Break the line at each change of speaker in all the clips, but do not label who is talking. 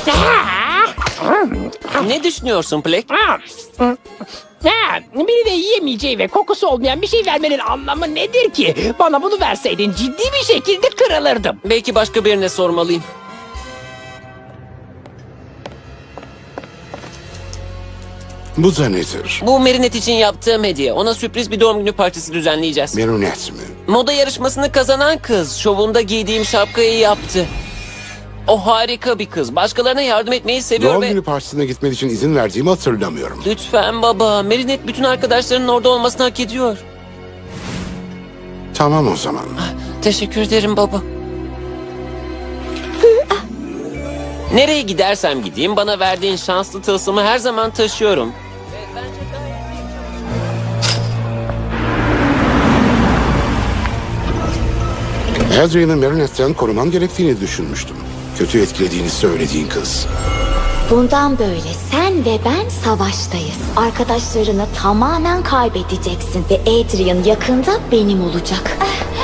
Ne düşünüyorsun Plek?
Birine yiyemeyeceği ve kokusu olmayan bir şey vermenin anlamı nedir ki? Bana bunu verseydin ciddi bir şekilde kırılırdım.
Belki başka birine sormalıyım.
Bu da nedir?
Bu Merinet için yaptığım hediye. Ona sürpriz bir doğum günü partisi düzenleyeceğiz.
Merunet mi?
Moda yarışmasını kazanan kız şovunda giydiğim şapkayı yaptı. O harika bir kız. Başkalarına yardım etmeyi seviyor
Doğum
ve...
günü partisine gitmen için izin verdiğimi hatırlamıyorum.
Lütfen baba. Merinet bütün arkadaşlarının orada olmasını hak ediyor.
Tamam o zaman.
Teşekkür ederim baba. Nereye gidersem gideyim bana verdiğin şanslı tılsımı her zaman taşıyorum.
Adrian'ı Merunet'ten koruman gerektiğini düşünmüştüm. Kötü etkilediğini söylediğin kız.
Bundan böyle sen ve ben savaştayız. Arkadaşlarını tamamen kaybedeceksin ve Adrian yakında benim olacak.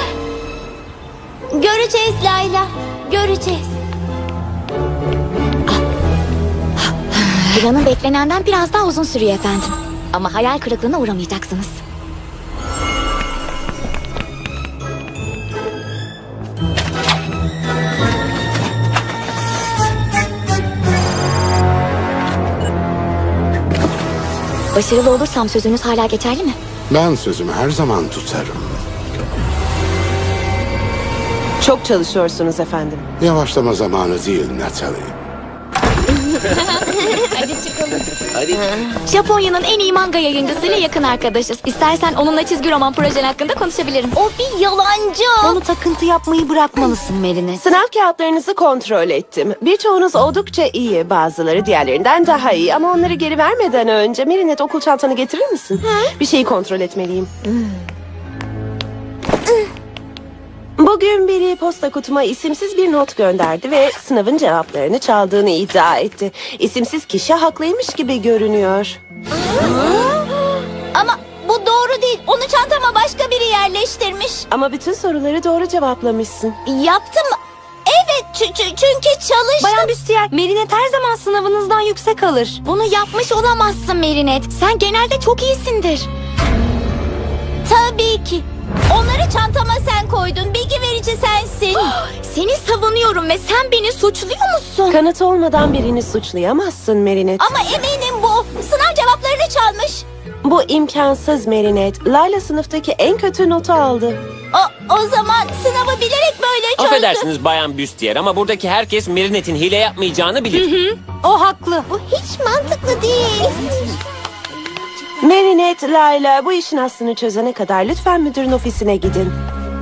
Göreceğiz Layla, göreceğiz. Planın beklenenden biraz daha uzun sürüyor efendim. Ama hayal kırıklığına uğramayacaksınız. Başarılı olursam sözünüz hala geçerli mi?
Ben sözümü her zaman tutarım.
Çok çalışıyorsunuz efendim.
Yavaşlama zamanı değil Natalie.
Hadi çıkalım.
Hadi.
Japonya'nın en iyi manga yayıncısıyla yakın arkadaşız. İstersen onunla çizgi roman projen hakkında konuşabilirim. O bir yalancı. Onu takıntı yapmayı bırakmalısın Merinet.
Sınav kağıtlarınızı kontrol ettim. Birçoğunuz oldukça iyi, bazıları diğerlerinden daha iyi. Ama onları geri vermeden önce Merinet okul çantanı getirir misin? Bir şeyi kontrol etmeliyim. Bugün biri posta kutuma isimsiz bir not gönderdi ve sınavın cevaplarını çaldığını iddia etti. İsimsiz kişi haklıymış gibi görünüyor.
Ama bu doğru değil. Onu çantama başka biri yerleştirmiş.
Ama bütün soruları doğru cevaplamışsın.
Yaptım. Evet çünkü çalıştım. Bayan Büstiyer, Merinet her zaman sınavınızdan yüksek alır. Bunu yapmış olamazsın Merinet. Sen genelde çok iyisindir. Tabii ki. Onları çantama sen koydun. Bilgi verici sensin. Seni savunuyorum ve sen beni suçluyor musun?
Kanıt olmadan birini suçlayamazsın Merinet.
Ama eminim bu. Sınav cevaplarını çalmış.
Bu imkansız Merinet. Layla sınıftaki en kötü notu aldı.
O zaman sınavı bilerek böyle çözdü.
Affedersiniz Bayan Büstiyer ama buradaki herkes Merinet'in hile yapmayacağını bilir.
O haklı. Bu hiç mantıklı değil.
Merinet, Layla bu işin aslını çözene kadar lütfen müdürün ofisine gidin.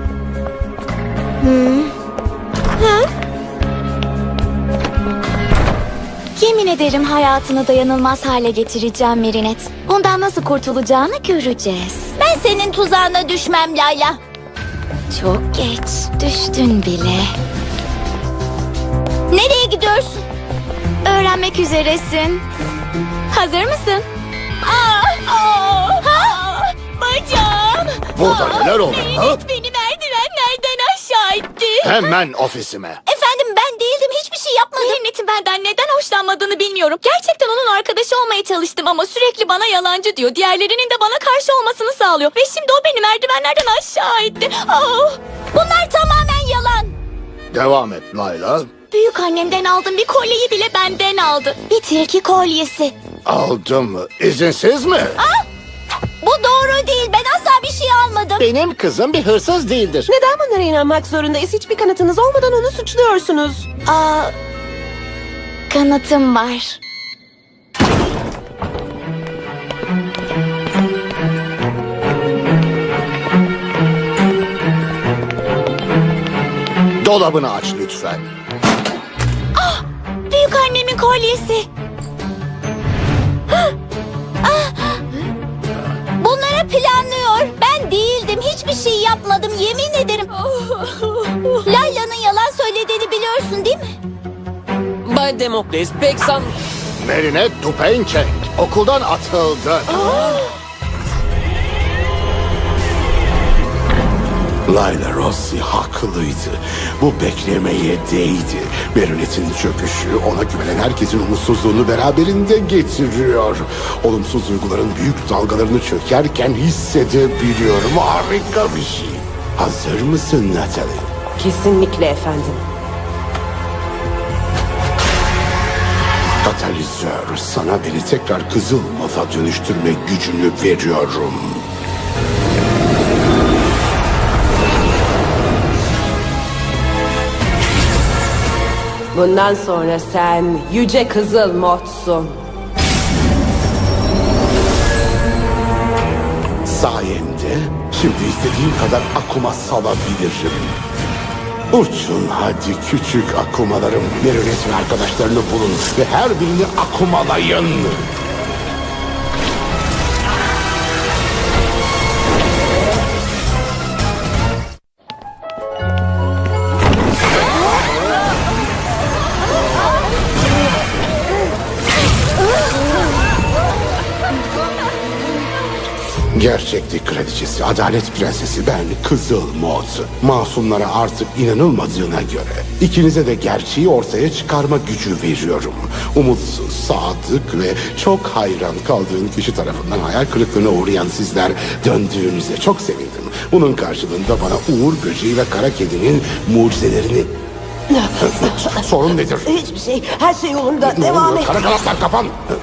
Yemin ederim hayatını dayanılmaz hale getireceğim Merinet. Bundan nasıl kurtulacağını göreceğiz. Ben senin tuzağına düşmem Layla. Çok geç. Düştün bile. Nereye gidiyorsun? Öğrenmek üzeresin. Hazır mısın? Bacağım.
Burada neler oldu? Ha?
Beni merdivenlerden aşağı itti.
Hemen ofisime.
Efendim ben değildim, hiçbir şey yapmadım. Merinet'in benden neden hoşlanmadığını bilmiyorum. Gerçekten onun arkadaşı olmaya çalıştım ama sürekli bana yalancı diyor. Diğerlerinin de bana karşı olmasını sağlıyor. Ve şimdi o beni merdivenlerden aşağı itti. Bunlar tamamen yalan.
Devam et Layla.
Büyük annemden aldığım bir kolyeyi bile benden aldı. Bir tilki kolyesi.
Aldım mı? İzinsiz mi?
Bu doğru değil, ben asla bir şey almadım.
Benim kızım bir hırsız değildir.
Neden bunlara inanmak zorundayız? Hiçbir kanıtınız olmadan onu suçluyorsunuz.
Kanıtım var.
Dolabını aç lütfen.
Büyük annemin kolyesi. Bunları planlıyor. Ben değildim. Hiçbir şey yapmadım. Yemin ederim. Layla'nın yalan söylediğini biliyorsun değil mi?
Bay Demokles pek
Merinet Dupençek okuldan atıldı.
Layla Rossi haklıydı. Bu beklemeye değdi. Marionette'in çöküşü ona güvenen herkesin umutsuzluğunu beraberinde getiriyor. Olumsuz duyguların büyük dalgalarını çökerken hissedebiliyorum. Harika bir şey. Hazır mısın Natalie?
Kesinlikle efendim.
Katalizör, sana beni tekrar kızıl moda dönüştürme gücünü veriyorum.
Bundan sonra sen yüce kızıl modsun.
Sayemde şimdi istediğim kadar akuma salabilirim. Uçun hadi küçük akumalarım. Marionette ve arkadaşlarını bulun ve her birini akumalayın. Gerçeklik kraliçesi, adalet prensesi ben Kızıl Mod. Masumlara artık inanılmadığına göre ikinize de gerçeği ortaya çıkarma gücü veriyorum. Umutsuz, sadık ve çok hayran kaldığın kişi tarafından hayal kırıklığına uğrayan sizler döndüğünüze çok sevindim. Bunun karşılığında bana Uğur Böceği ve Kara Kedi'nin mucizelerini... Sorun nedir?
Hiçbir şey, her şey yolunda.
Ne
Devam
oluyor?
et.
Kara kanatlar kapan!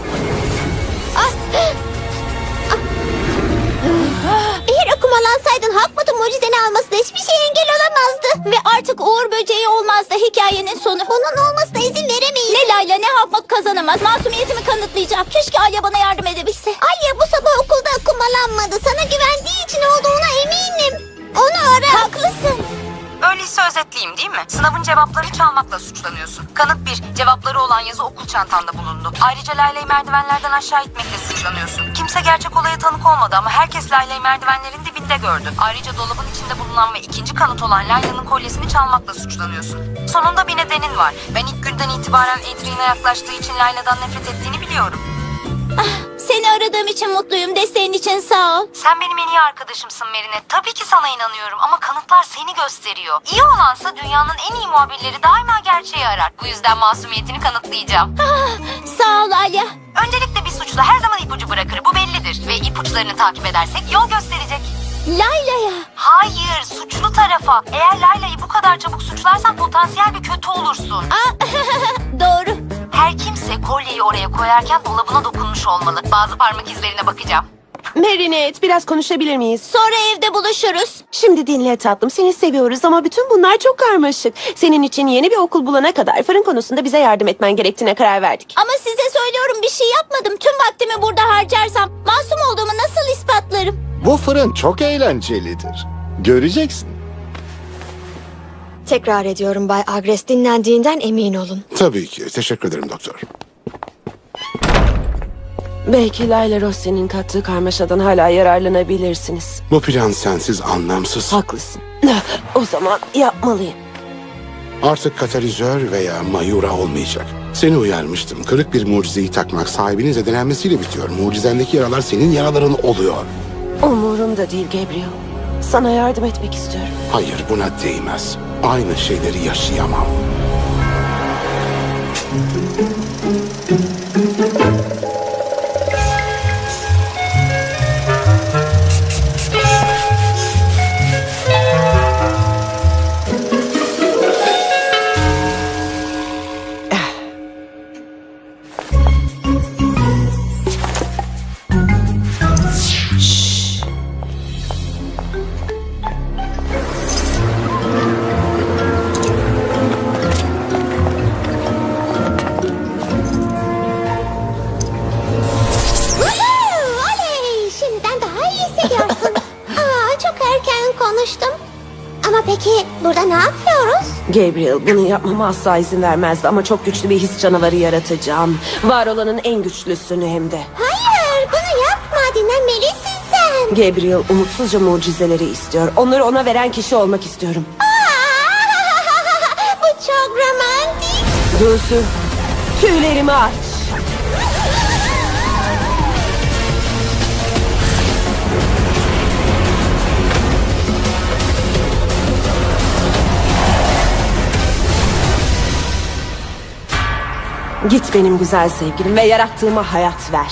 Eğer akumalansaydın Hakmut'un mucizeni almasına hiçbir şey engel olamazdı. Ve artık Uğur Böceği olmazdı hikayenin sonu. Onun olmasına izin veremeyiz. Ne Layla ne Hakmut kazanamaz. Masumiyetimi kanıtlayacağım. Keşke Alya bana yardım edebilse. Alya bu sabah okulda akumalanmadı. Sana güvendiği için olduğuna eminim. Onu ara. Haklısın.
Öyleyse özetleyeyim değil mi? Sınavın cevaplarını çalmakla suçlanıyorsun. Kanıt 1. Cevapları olan yazı okul çantanda bulundu. Ayrıca Layla'yı merdivenlerden aşağı itmekle suçlanıyorsun. Kimse gerçek olaya tanık olmadı ama herkes Layla'yı merdivenlerin dibinde gördü. Ayrıca dolabın içinde bulunan ve ikinci kanıt olan Layla'nın kolyesini çalmakla suçlanıyorsun. Sonunda bir nedenin var. Ben ilk günden itibaren Adrian'a yaklaştığı için Layla'dan nefret ettiğini biliyorum.
Seni aradığım için mutluyum. Desteğin için sağ ol.
Sen benim en iyi arkadaşımsın Merinet. Tabii ki sana inanıyorum ama kanıtlar seni gösteriyor. İyi olansa dünyanın en iyi muhabirleri daima gerçeği arar. Bu yüzden masumiyetini kanıtlayacağım.
Sağ ol Alya.
Öncelikle bir suçlu her zaman ipucu bırakır. Bu bellidir. Ve ipuçlarını takip edersek yol gösterecek.
Layla'ya.
Hayır, suçlu tarafa. Eğer Layla'yı bu kadar çabuk suçlarsan potansiyel bir kötü olursun.
Doğru.
Her kimse kolyeyi oraya koyarken dolabına dokunmuş olmalı. Bazı parmak izlerine bakacağım.
Marinette, biraz konuşabilir miyiz?
Sonra evde buluşuruz.
Şimdi dinle tatlım, seni seviyoruz ama bütün bunlar çok karmaşık. Senin için yeni bir okul bulana kadar fırın konusunda bize yardım etmen gerektiğine karar verdik.
Ama size söylüyorum bir şey yapmadım. Tüm vaktimi burada harcarsam masum olduğumu nasıl ispatlarım?
Bu fırın çok eğlencelidir. Göreceksin.
Tekrar ediyorum Bay Agres, dinlendiğinden emin olun.
Tabii ki. Teşekkür ederim doktor.
Belki Layla Rossi'nin kattığı karmaşadan hala yararlanabilirsiniz.
Bu plan sensiz anlamsız.
Haklısın. O zaman yapmalıyım.
Artık katalizör veya mayura olmayacak. Seni uyarmıştım. Kırık bir mucizeyi takmak sahibinin zedelenmesiyle bitiyor. Mucizendeki yaralar senin yaraların oluyor.
Umurumda değil Gabriel. Sana yardım etmek istiyorum.
Hayır, buna değmez. Aynı şeyleri yaşayamam.
Oley! Şimdiden daha iyi hissediyorsun. Çok erken konuştum. Ama peki burada ne yapıyoruz?
Gabriel, bunu yapmama asla izin vermezdi ama çok güçlü bir his canavarı yaratacağım. Var olanın en güçlüsünü hem de.
Hayır, bunu yapma. Dinlenmelisin sen.
Gabriel umutsuzca mucizeleri istiyor. Onları ona veren kişi olmak istiyorum.
Bu çok romantik.
Dulsu, tüylerimi aç. Git benim güzel sevgilim ve yarattığıma hayat ver.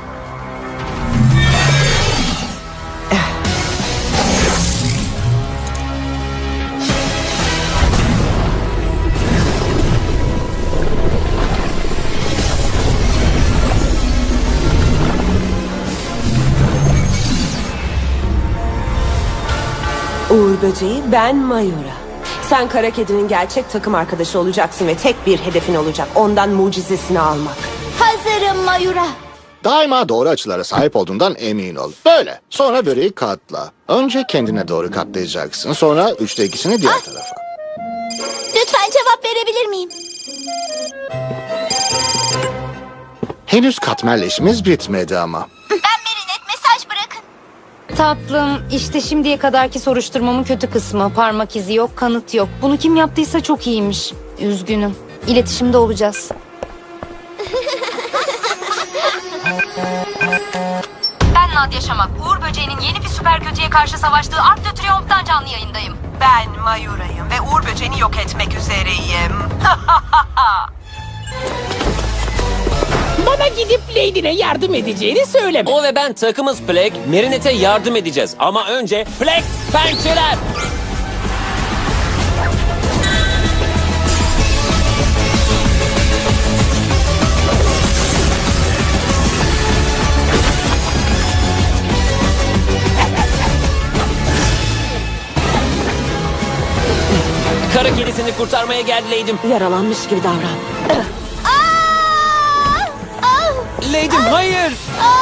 Uğur Böceği, ben Mayura. Sen Kara Kedi'nin gerçek takım arkadaşı olacaksın ve tek bir hedefin olacak. Ondan mucizesini almak.
Hazırım Mayura.
Daima doğru açılara sahip olduğundan emin ol. Böyle. Sonra böreği katla. Önce kendine doğru katlayacaksın. Sonra 3'te 2'sini diğer tarafa.
Lütfen cevap verebilir miyim?
Henüz katmerle işimiz bitmedi ama.
Ben Merinet, mesaj bırakın.
Tatlım, işte şimdiye kadarki soruşturmamın kötü kısmı. Parmak izi yok, kanıt yok. Bunu kim yaptıysa çok iyiymiş. Üzgünüm. İletişimde olacağız. Ben Nadia Şamak. Uğur Böceği'nin yeni bir süper kötüye karşı savaştığı Arc de Triomphe'dan canlı yayındayım.
Ben Mayura'yım ve Uğur Böceği'ni yok etmek üzereyim.
Bana gidip Lady'ne yardım edeceğini söyleme.
O ve ben takımız Plague. Marinette'e yardım edeceğiz. Ama önce Plague pençeler. Kara kedisini kurtarmaya geldi Lady'm.
Yaralanmış gibi davran.
Lady'm hayır.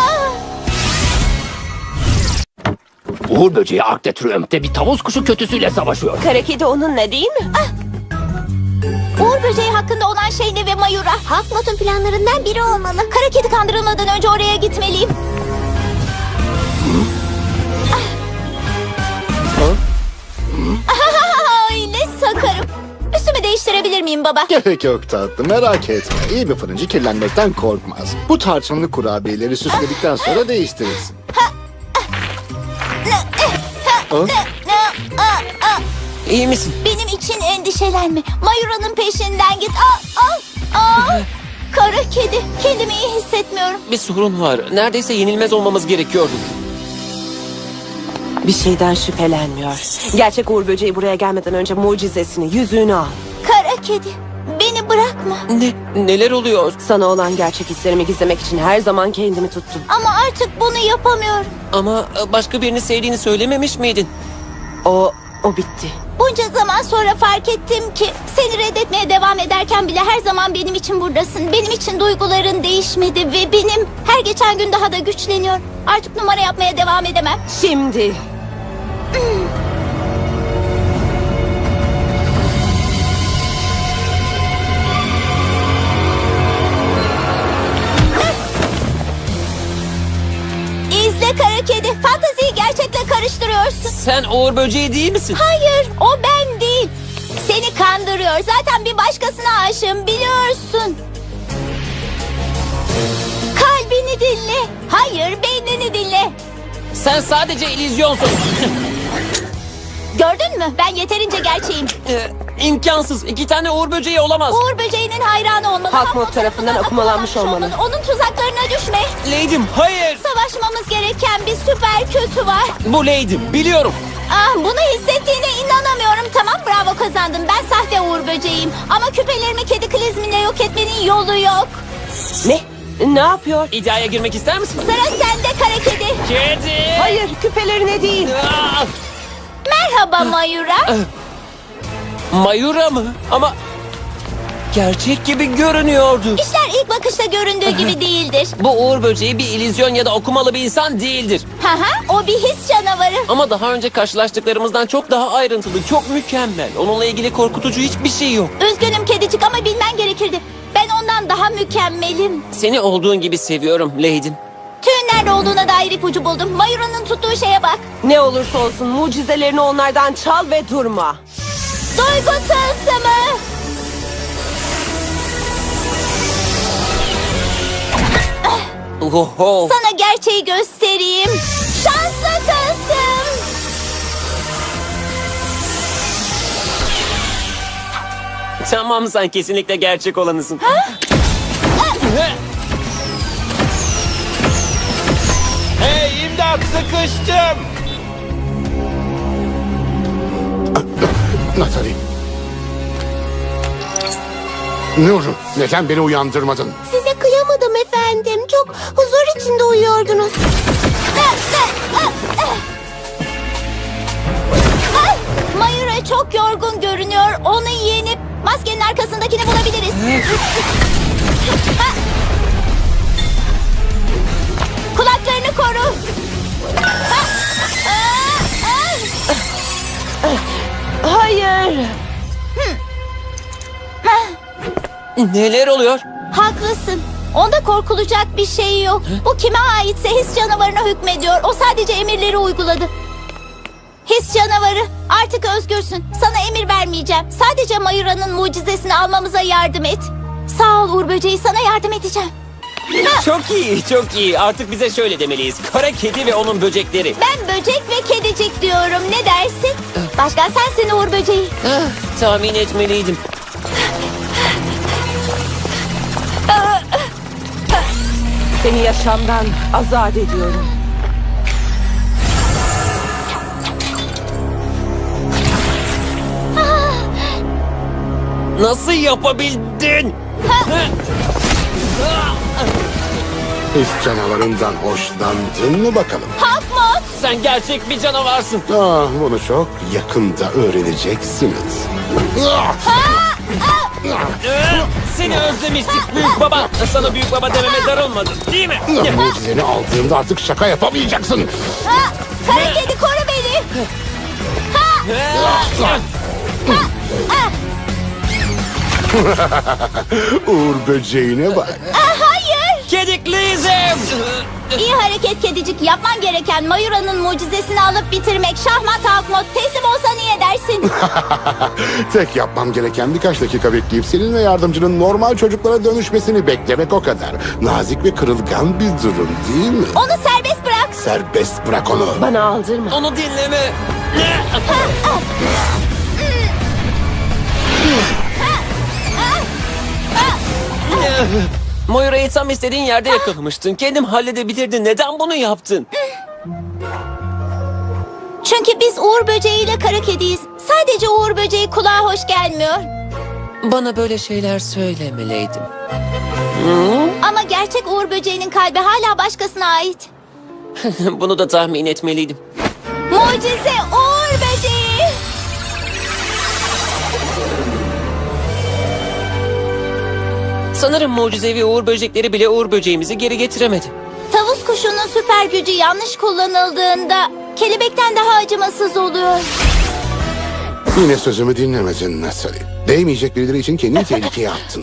Uğur Böceği Arc de Triomphe'de bir tavus kuşu kötüsüyle savaşıyor.
Kara Kedi onunla değil mi?
Uğur Böceği hakkında olan şey ne ve Mayura? Hakmot'un planlarından biri olmalı. Kara Kedi kandırılmadan önce oraya gitmeliyim. Ay ne sakarım. Üstümü değiştirebilir miyim baba?
Gerek yok tatlım, merak etme. İyi bir fırıncı kirlenmekten korkmaz. Bu tarçınlı kurabiyeleri süsledikten sonra değiştirirsin.
İyi misin?
Benim için endişelenme. Mayura'nın peşinden git. Kara Kedi. Kendimi iyi hissetmiyorum.
Bir sorun var. Neredeyse yenilmez olmamız gerekiyordu.
Bir şeyden şüphelenmiyor. Gerçek Uğur Böceği buraya gelmeden önce mucizesini, yüzüğünü al.
Kara Kedi. Beni bırakma.
Neler oluyor?
Sana olan gerçek hislerimi gizlemek için her zaman kendimi tuttum.
Ama artık bunu yapamıyorum.
Ama başka birini sevdiğini söylememiş miydin?
O bitti.
Bunca zaman sonra fark ettim ki seni reddetmeye devam ederken bile her zaman benim için buradasın. Benim için duyguların değişmedi ve benim her geçen gün daha da güçleniyor. Artık numara yapmaya devam edemem.
Şimdi.
İzle Kara Kedi. Fantaziyi gerçekle karıştırıyorsun.
Sen Uğur Böceği değil misin?
Hayır, o ben değil. Seni kandırıyor. Zaten bir başkasına aşığım, biliyorsun. Kalbini dinle. Hayır, beynini dinle.
Sen sadece illüzyonsun.
Gördün mü? Ben yeterince gerçeğim.
İmkansız. 2 tane Uğur Böceği olamaz.
Uğur Böceği'nin hayranı olmalı.
Hakmot tarafından akumalanmış olmalı.
Onun tuzaklarına düşme.
Lady'm hayır.
Savaşmamız gereken bir süper kötü var.
Bu Lady'm biliyorum.
Bunu hissettiğine inanamıyorum. Tamam, bravo, kazandın. Ben sahte Uğur Böceğiyim. Ama küpelerimi kedi klizminle yok etmenin yolu yok.
Ne? Ne yapıyor?
İddiaya girmek ister misin?
Sıra sende Kara Kedi.
Kedi.
Hayır, küpelerine değil.
Ah!
Merhaba Mayura.
Mayura mı? Ama gerçek gibi görünüyordu.
İşler ilk bakışta göründüğü gibi değildir.
Bu Uğur Böceği bir illüzyon ya da okumalı bir insan değildir.
O bir his canavarı.
Ama daha önce karşılaştıklarımızdan çok daha ayrıntılı, çok mükemmel. Onunla ilgili korkutucu hiçbir şey yok.
Üzgünüm kedicik ama bilmen gerekirdi. Ben ondan daha mükemmelim.
Seni olduğun gibi seviyorum Lady'm.
Tüyün nerede olduğuna dair ipucu buldum. Mayura'nın tuttuğu şeye bak.
Ne olursa olsun mucizelerini onlardan çal ve durma.
Duygu tılsımı.
Oho.
Sana gerçeği göstereyim. Şanslı tılsım.
Tamam, sen kesinlikle gerçek olanısın.
Hey imdat, sıkıştım.
Natalie. Nur, neden beni uyandırmadın?
Size kıyamadım efendim. Çok huzur içinde uyuyordunuz.
Mayura çok yorgun görünüyor. Onu yenip maskenin arkasındakini bulabiliriz. Kulaklarını koru.
Hayır.
Neler oluyor?
Haklısın. Onda korkulacak bir şey yok. Bu kime aitse his canavarına hükmediyor. O sadece emirleri uyguladı. His canavarı, artık özgürsün. Sana emir vermeyeceğim. Sadece Mayura'nın mucizesini almamıza yardım et. Sağ ol Uğur Böceği, sana yardım edeceğim.
Çok iyi, çok iyi. Artık bize şöyle demeliyiz. Kara kedi ve onun böcekleri.
Ben böcek ve kedicik diyorum. Ne dersin? Başkan sensin Uğur Böceği.
Tahmin etmeliydim.
Seni yaşamdan azat ediyorum.
Nasıl yapabildin?
His canavarından hoşlandın mı bakalım?
Hakmot.
Sen gerçek bir canavarsın.
Bunu çok yakında öğreneceksiniz.
Seni özlemiştik büyük baba. Sana büyük baba dememe darılmadın değil mi?
Mucizeni aldığımda artık şaka yapamayacaksın.
Kara kedi koru beni.
Uğur böceğine bak.
Hayır.
Kedikliyizim.
İyi hareket kedicik. Yapman gereken Mayura'nın mucizesini alıp bitirmek. Şahmat Hakmot. Teslim olsan iyi edersin.
Tek yapmam gereken birkaç dakika bekleyip senin ve yardımcının normal çocuklara dönüşmesini beklemek o kadar. Nazik ve kırılgan bir durum değil mi?
Onu serbest bırak.
Serbest bırak onu.
Bana aldırma.
Onu dinleme. Moira'yı tam istediğin yerde yakalamıştın. Kendim halledebilirdin. Neden bunu yaptın?
Çünkü biz Uğur Böceği ile kara kediyiz. Sadece Uğur Böceği kulağa hoş gelmiyor.
Bana böyle şeyler söylemeliydim.
Ama gerçek Uğur Böceği'nin kalbi hala başkasına ait.
Bunu da tahmin etmeliydim.
Mucize Uğur Böceği.
Sanırım mucizevi uğur böcekleri bile uğur böceğimizi geri getiremedi.
Tavus kuşunun süper gücü yanlış kullanıldığında kelebekten daha acımasız oluyor.
Yine sözümü dinlemedin Natalie. Değmeyecek birileri için kendini tehlikeye attın.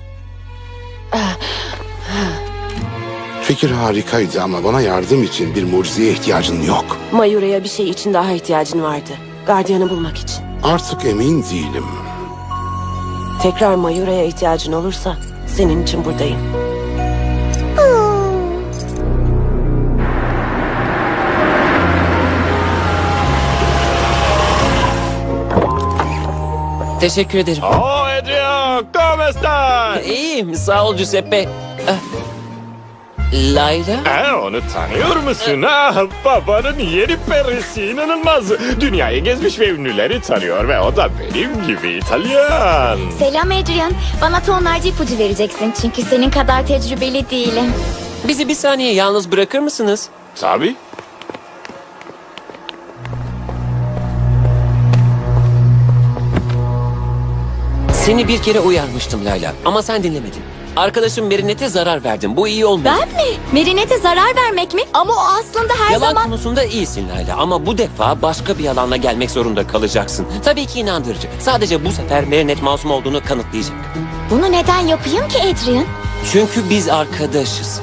Fikir harikaydı ama bana yardım için bir mucizeye ihtiyacın yok.
Mayura'ya bir şey için daha ihtiyacın vardı. Gardiyanı bulmak için.
Artık emin değilim.
Tekrar Mayura'ya ihtiyacın olursa senin için buradayım.
Teşekkür ederim.
Oh Adrian, ¿cómo estás?
İyiyim, sağ ol Giuseppe. Layla?
Onu tanıyor musun? Babanın yeni perisi, inanılmaz. Dünyayı gezmiş ve ünlüleri tanıyor ve o da benim gibi İtalyan.
Selam Adrian. Bana tonlarca ipucu vereceksin çünkü senin kadar tecrübeli değilim.
Bizi bir saniye yalnız bırakır mısınız?
Tabii.
Seni bir kere uyarmıştım Layla ama sen dinlemedin. Arkadaşım Merinet'e zarar verdin. Bu iyi olmadı.
Ben mi? Merinet'e zarar vermek mi? Ama o aslında her
Yalan
zaman...
konusunda iyisin Layla ama bu defa başka bir yalanla gelmek zorunda kalacaksın. Tabii ki inandırıcı. Sadece bu sefer Merinet masum olduğunu kanıtlayacak.
Bunu neden yapayım ki Adrian?
Çünkü biz arkadaşız.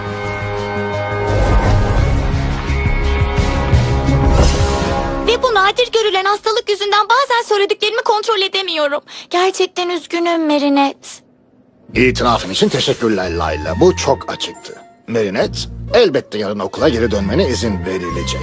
Ve bu nadir görülen hastalık yüzünden bazen söylediklerimi kontrol edemiyorum. Gerçekten üzgünüm Merinet.
İtirafın için teşekkürler Layla. Bu çok açıktı. Merinet, elbette yarın okula geri dönmene izin verilecek.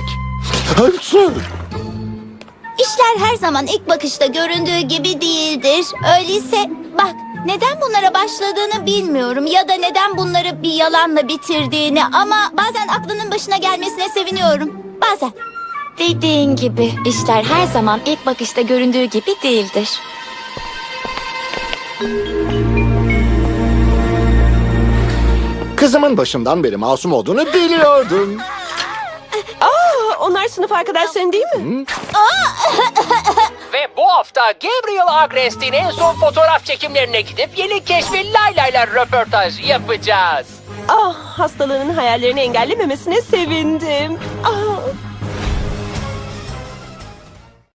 İşler her zaman ilk bakışta göründüğü gibi değildir. Öyleyse bak Neden bunlara başladığını bilmiyorum ya da neden bunları bir yalanla bitirdiğini ama bazen aklının başına gelmesine seviniyorum. Bazen.
Dediğin gibi işler her zaman ilk bakışta göründüğü gibi değildir.
Kızımın başından beri masum olduğunu biliyordum.
Onlar sınıf arkadaşların değil mi?
Ve bu hafta Gabriel Agrest'in en son fotoğraf çekimlerine gidip yeni keşfi Layla'yla röportaj yapacağız.
Hastalığının hayallerini engellememesine sevindim.